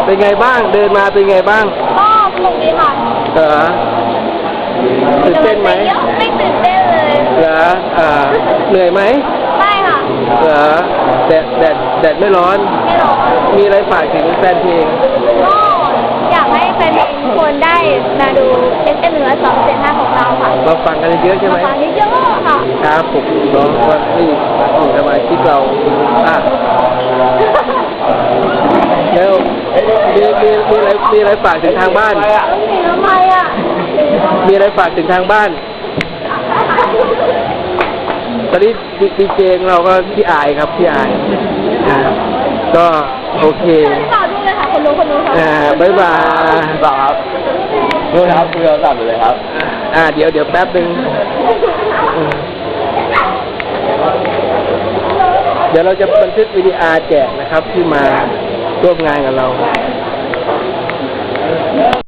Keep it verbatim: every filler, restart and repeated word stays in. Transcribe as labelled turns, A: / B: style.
A: เป็นไงบ้างเดินมาเป็นไงบ้าง
B: ก็สนุกดีค่ะ
A: เหรอตื่นเต้นไหม
B: ไม่ตื่นเต้นเลย
A: เหรออ่าเหนื่อยไหม
B: ไม่ค่ะ
A: เหรอแดดแดดแดดไม่ร้อน
B: ไม่ร้อน
A: มีอะไรฝากถึงแฟนเพลง
B: ก็อยากให้แฟนเพลงทุกคนได้มาดูเอสเอ็มเหนือสองเจ็ดห้าของเราค่ะ
A: มาฟังกันเยอะใช่ไหม
B: มาฟังเยอะๆค่ะ
A: ครับผมน้องว่านี่อยู่สมาชิกเราอ่ะเดี๋ยวมีมีมีอะไรมีอะไรฝากถึงทางบ้าน
B: มีทำไมอ่ะ
A: มีอะไรฝากถึงทางบ้านตอนนี้ดีเจของเราก็พี่อายครับพี่อายอ่าก็โอเค
B: ไม่ต่อดูเลยค่ะคนรู้คนรู้ครับ
A: อ่าบ๊ายบาย
C: ครับดูครับคุยโทรศัพท์อยู่เลยครับ
A: อ่าเดี๋ยวเดี๋ยวแป๊บนึงเดี๋ยวเราจะบันทึกวิดีโอแจกนะครับที่มาร่วมงานกับเรา